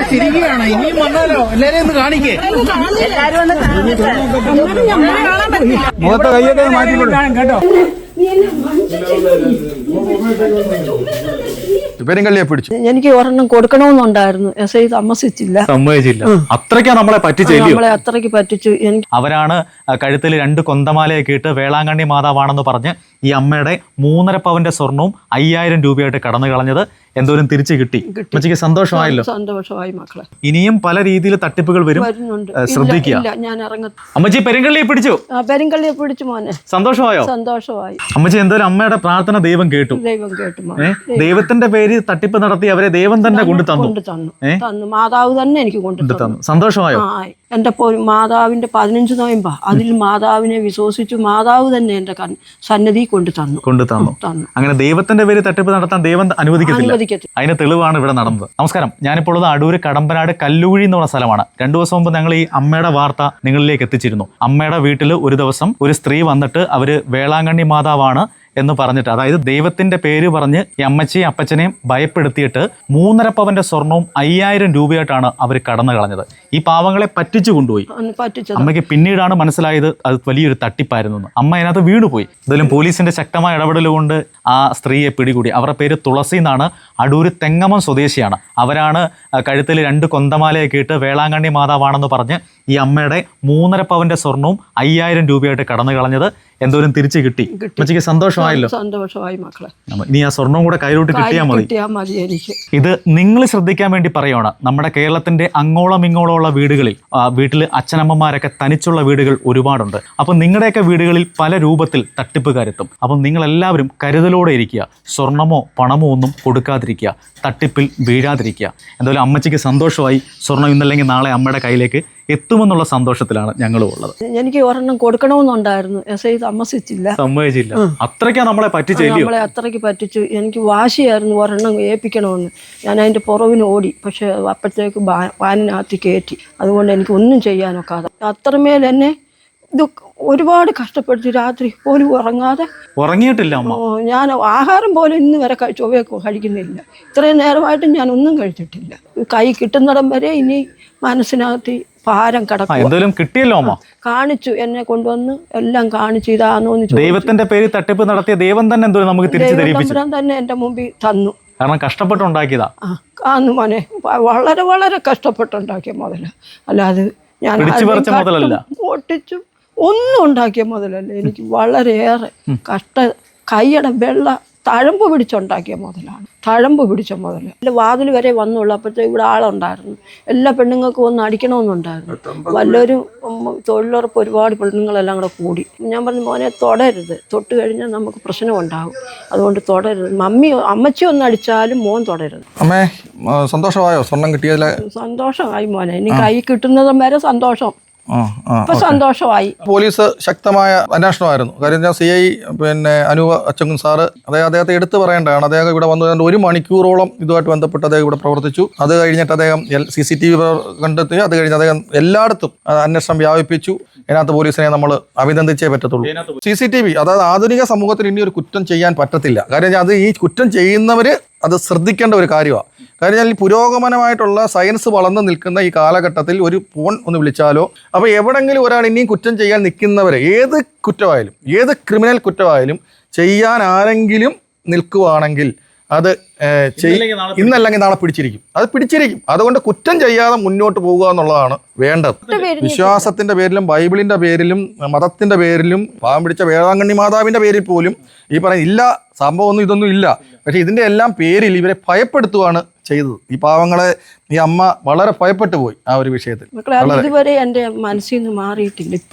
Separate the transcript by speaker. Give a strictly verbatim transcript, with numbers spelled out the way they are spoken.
Speaker 1: ചിരിക്കുകയാണ്. ഇനിയും വന്നാലോ എല്ലാരെയും ഒന്ന് കാണിക്കേ.
Speaker 2: മുഖത്തെ കയ്യൊക്കെ മാറ്റിക്കൊടുക്കാം കേട്ടോ. പെരുങ്കള്ളിയെ പിടിച്ചു.
Speaker 3: എനിക്ക് ഒരെണ്ണം കൊടുക്കണമെന്നുണ്ടായിരുന്നു. എസ് ഐ താമസിച്ചില്ല,
Speaker 4: സമ്മതിച്ചില്ല. അത്രയ്ക്കാ നമ്മളെ പറ്റിച്ചെല്ലു.
Speaker 3: നമ്മളെ അത്രയ്ക്ക് പറ്റിച്ചു. എനിക്ക്
Speaker 4: അവരാണ് കഴുത്തിൽ രണ്ട് കൊന്തമാലയൊക്കെ ഇട്ട് വേളാങ്കണ്ണി മാതാവാണെന്ന് പറഞ്ഞ് ഈ അമ്മയുടെ മൂന്നര പവന്റെ സ്വർണവും അയ്യായിരം രൂപയായിട്ട് കടന്നു കളഞ്ഞത്. എന്തോരം തിരിച്ചു കിട്ടി. അമ്മച്ചിക്ക് സന്തോഷമായല്ലോ.
Speaker 3: സന്തോഷമായി മക്കളെ.
Speaker 4: ഇനിയും പല രീതിയിൽ തട്ടിപ്പുകൾ വരും, ശ്രദ്ധിക്കുക.
Speaker 3: ഞാൻ ഇറങ്ങ
Speaker 4: അമ്മച്ചി പെരുങ്കള്ളിയെ പിടിച്ചു.
Speaker 3: പെരുങ്കള്ളിയെ പിടിച്ചു മോനെ.
Speaker 4: സന്തോഷമായോ?
Speaker 3: സന്തോഷമായി.
Speaker 4: അമ്മച്ചി എന്തായാലും അമ്മയുടെ പ്രാർത്ഥന ദൈവം കേട്ടു.
Speaker 3: ദൈവം കേട്ടു.
Speaker 4: ദൈവത്തിന്റെ പേര് തട്ടിപ്പ് നടത്തി അവരെ ദൈവം തന്നെ കൊണ്ടു തന്നു.
Speaker 3: തന്നു മാതാവ് തന്നെ എനിക്ക് കൊണ്ടു തന്നു.
Speaker 4: സന്തോഷമായോ?
Speaker 3: എന്റെ മാതാവിന്റെ പതിനഞ്ച് നോയമ്പാ. അതിൽ മാതാവിനെ വിശ്വസിച്ചു മാതാവ് തന്നെ എന്റെ സന്നിധി കൊണ്ടു തന്നു
Speaker 4: കൊണ്ടു തന്നു അങ്ങനെ ദൈവത്തിന്റെ പേര് തട്ടിപ്പ് നടത്താൻ ദൈവം അനുവദിക്കത്തില്ല. അതിന് തെളിവാണ് ഇവിടെ നടന്നത്. നമസ്കാരം, ഞാനിപ്പോൾ ഉള്ളത് അടൂര് കടമ്പനാട് കല്ലൂഴി എന്ന് പറഞ്ഞ സ്ഥലമാണ്. രണ്ടു ദിവസം മുമ്പ് ഞങ്ങൾ ഈ അമ്മയുടെ വാർത്ത നിങ്ങളിലേക്ക് എത്തിച്ചിരുന്നു. അമ്മയുടെ വീട്ടിൽ ഒരു ദിവസം ഒരു സ്ത്രീ വന്നിട്ട് അവര് വേളാങ്കണ്ണി മാതാവാണ് എന്ന് പറഞ്ഞിട്ട്, അതായത് ദൈവത്തിന്റെ പേര് പറഞ്ഞ് ഈ അമ്മച്ചിയും അപ്പച്ചനെയും ഭയപ്പെടുത്തിയിട്ട് മൂന്നര പവന്റെ സ്വർണവും അയ്യായിരം രൂപയായിട്ടാണ് അവർ കടന്നു കളഞ്ഞത്. ഈ പാവങ്ങളെ പറ്റിച്ചു കൊണ്ടുപോയി. അമ്മയ്ക്ക് പിന്നീടാണ് മനസ്സിലായത് അത് വലിയൊരു തട്ടിപ്പായിരുന്നു. അമ്മ അതിനകത്ത് വീണുപോയി. എന്തായാലും പോലീസിന്റെ ശക്തമായ ഇടപെടൽ കൊണ്ട് ആ സ്ത്രീയെ പിടികൂടി. അവരുടെ പേര് തുളസി എന്നാണ്. അടൂര് തെങ്ങമം സ്വദേശിയാണ്. അവരാണ് കഴുത്തിൽ രണ്ട് കൊന്തമാലയൊക്കെ ഇട്ട് വേളാങ്കണ്ണി മാതാവാണെന്ന് പറഞ്ഞ് ഈ അമ്മയുടെ മൂന്നര പവന്റെ സ്വർണവും അയ്യായിരം രൂപയായിട്ട് കടന്നു കളഞ്ഞത്. എന്തോരം തിരിച്ചു കിട്ടി. അമ്മച്ചിക്ക് സന്തോഷമായല്ലോ.
Speaker 3: സന്തോഷമായി മക്കളെ.
Speaker 4: ഇനി ആ സ്വർണം കൂടെ കയ്യിലോട്ട് കിട്ടിയാൽ മതി. ഇത് നിങ്ങൾ ശ്രദ്ധിക്കാൻ വേണ്ടി പറയുകയാണ്. നമ്മുടെ കേരളത്തിന്റെ അങ്ങോളം ഇങ്ങോളം ഉള്ള വീടുകളിൽ വീട്ടിൽ അച്ഛനമ്മമാരൊക്കെ തനിച്ചുള്ള വീടുകൾ ഒരുപാടുണ്ട്. അപ്പം നിങ്ങളുടെയൊക്കെ വീടുകളിൽ പല രൂപത്തിൽ തട്ടിപ്പുകാരെത്തും. അപ്പം നിങ്ങളെല്ലാവരും കരുതലോടെ ഇരിക്കുക. സ്വർണമോ പണമോ ഒന്നും കൊടുക്കാതിരിക്കുക. തട്ടിപ്പിൽ വീഴാതിരിക്കുക. എന്തായാലും അമ്മച്ചിക്ക് സന്തോഷമായി. സ്വർണം ഇന്നല്ലെങ്കിൽ നാളെ അമ്മയുടെ കയ്യിലേക്ക് എത്തുമെന്നുള്ള സന്തോഷത്തിലാണ് ഞങ്ങളും ഉള്ളത്.
Speaker 3: എനിക്ക് ഒരെണ്ണം കൊടുക്കണമെന്നുണ്ടായിരുന്നു. എസ് ഐ താമസിച്ചില്ല,
Speaker 4: സമ്മതിച്ചില്ല. അത്രയ്ക്കാ നമ്മളെ പറ്റിച്ചെല്ലു.
Speaker 3: നമ്മളെ അത്രയ്ക്ക് പറ്റിച്ചു. എനിക്ക് വാശിയായിരുന്നു ഒരെണ്ണം ഏൽപ്പിക്കണമെന്ന്. ഞാൻ അതിന്റെ പുറവിന് ഓടി. പക്ഷെ അപ്പോഴത്തേക്ക് വാനിനകത്ത് കയറ്റി. അതുകൊണ്ട് എനിക്ക് ഒന്നും ചെയ്യാനൊക്കാതെ അത്രമേൽ എന്നെ ഇത് ഒരുപാട് കഷ്ടപ്പെടുത്തി. രാത്രി പോലും ഉറങ്ങാതെ.
Speaker 4: ഉറങ്ങിയിട്ടില്ല അമ്മ.
Speaker 3: ഞാൻ ആഹാരം പോലും ഇന്ന് വരെ ചൊവ്വ കഴിക്കുന്നില്ല. ഇത്രയും നേരമായിട്ടും ഞാൻ ഒന്നും കഴിച്ചിട്ടില്ല. കൈ കിട്ടുന്നിടം വരെ ഇനി മനസ്സിനകത്ത് ഭാരം കിടക്കും.
Speaker 4: എന്തായാലും കിട്ടിയല്ലോ അമ്മ.
Speaker 3: കാണിച്ചു, എന്നെ കൊണ്ടുവന്ന് എല്ലാം കാണിച്ചു. ഇതാണോ
Speaker 4: ദൈവത്തിന്റെ പേര് തട്ടിപ്പ് നടത്തിയ ദൈവം തന്നെ എന്തോ നമുക്ക് തിരിച്ചു തരിപ്പിച്ചു
Speaker 3: തന്നെ എന്റെ മുമ്പിൽ തന്നു.
Speaker 4: കാരണം കഷ്ടപ്പെട്ടുണ്ടാക്കിയതാ.
Speaker 3: ആന്ന് മോനെ, വളരെ വളരെ കഷ്ടപ്പെട്ടുണ്ടാക്കിയ മുതല. അല്ലാതെ ഞാൻ ഒട്ടിച്ചും ഒന്നും ഉണ്ടാക്കിയ മുതലല്ല. എനിക്ക് വളരെയേറെ കഷ്ട കൈയുടെ വെള്ള തഴമ്പ് പിടിച്ചുണ്ടാക്കിയ മുതലാണ്. തഴമ്പ് പിടിച്ച മുതൽ എൻ്റെ വാതിൽ വരെ വന്നുള്ളൂ. അപ്പോഴത്തെ ഇവിടെ ആളുണ്ടായിരുന്നു. എല്ലാ പെണ്ണുങ്ങൾക്കും ഒന്ന് അടിക്കണമെന്നുണ്ടായിരുന്നു. വല്ലൊരു തൊഴിലുറപ്പ് ഒരുപാട് പെണ്ണുങ്ങളെല്ലാം കൂടെ കൂടി. ഞാൻ പറഞ്ഞു, മോനെ തൊടരുത്, തൊട്ട് കഴിഞ്ഞാൽ നമുക്ക് പ്രശ്നം ഉണ്ടാകും, അതുകൊണ്ട് തൊടരുത്. മമ്മി അമ്മച്ചി ഒന്ന് അടിച്ചാലും മോൻ തൊടരുത്.
Speaker 2: അമ്മേ സന്തോഷമായോ? സ്വർണം കിട്ടിയതിൽ
Speaker 3: സന്തോഷമായി മോനെ. ഇനി കൈ കിട്ടുന്നതും വരെ സന്തോഷം. ഇപ്പൊ സന്തോഷമായി.
Speaker 2: പോലീസ് ശക്തമായ അന്വേഷണമായിരുന്നു. കാര്യം ഞാൻ സി ഐ പിന്നെ അനൂപ് അച്ചങ്കൻ സാറ് അദ്ദേഹം അദ്ദേഹത്തെ എടുത്തു പറയേണ്ടതാണ്. അദ്ദേഹം ഇവിടെ വന്നു ഒരു മണിക്കൂറോളം ഇതുമായിട്ട് ബന്ധപ്പെട്ട് അദ്ദേഹം ഇവിടെ പ്രവർത്തിച്ചു. അത് കഴിഞ്ഞിട്ട് അദ്ദേഹം സി സി ടി വി കണ്ടെത്തി. അത് കഴിഞ്ഞ് അദ്ദേഹം എല്ലായിടത്തും അന്വേഷണം വ്യാപിപ്പിച്ചു. ഇതിനകത്ത് പോലീസിനെ നമ്മൾ അഭിനന്ദിച്ചേ പറ്റത്തുള്ളൂ. സി സി ടി വി അതായത് ആധുനിക സമൂഹത്തിൽ ഇനി ഒരു കുറ്റം ചെയ്യാൻ പറ്റത്തില്ല. കാര്യം അത് ഈ കുറ്റം ചെയ്യുന്നവർ അത് ശ്രദ്ധിക്കേണ്ട ഒരു കാര്യമാണ്. കാര്യം ഈ പുരോഗമനമായിട്ടുള്ള സയൻസ് വളർന്നു നിൽക്കുന്ന ഈ കാലഘട്ടത്തിൽ ഒരു ഫോൺ ഒന്ന് വിളിച്ചാലോ, അപ്പോൾ എവിടെങ്കിലും ഒരാൾ ഇനിയും കുറ്റം ചെയ്യാൻ നിൽക്കുന്നവരെ, ഏത് കുറ്റമായാലും ഏത് ക്രിമിനൽ കുറ്റമായാലും ചെയ്യാൻ ആരെങ്കിലും നിൽക്കുവാണെങ്കിൽ അത് ഇന്നല്ലെങ്കിൽ നാളെ പിടിച്ചിരിക്കും. അത് പിടിച്ചിരിക്കും. അതുകൊണ്ട് കുറ്റം ചെയ്യാതെ മുന്നോട്ട് പോകുക എന്നുള്ളതാണ് വേണ്ടത്. വിശ്വാസത്തിന്റെ പേരിലും ബൈബിളിന്റെ പേരിലും മതത്തിന്റെ പേരിലും പാവം പിടിച്ച വേളാങ്കണ്ണി മാതാവിന്റെ പേരിൽ പോലും ഈ പറയുന്ന ഇല്ല സംഭവമൊന്നും ഇതൊന്നും ഇല്ല. പക്ഷെ ഇതിന്റെ എല്ലാം പേരിൽ ഇവരെ ഭയപ്പെടുത്തുകയാണ് ചെയ്തത്. ഈ പാവങ്ങളെ ഈ അമ്മ വളരെ ഭയപ്പെട്ടു പോയി ആ ഒരു വിഷയത്തിൽ.
Speaker 3: ഇതുവരെ എൻ്റെ മനസ്സിൽ നിന്ന് മാറിയിട്ടില്ല.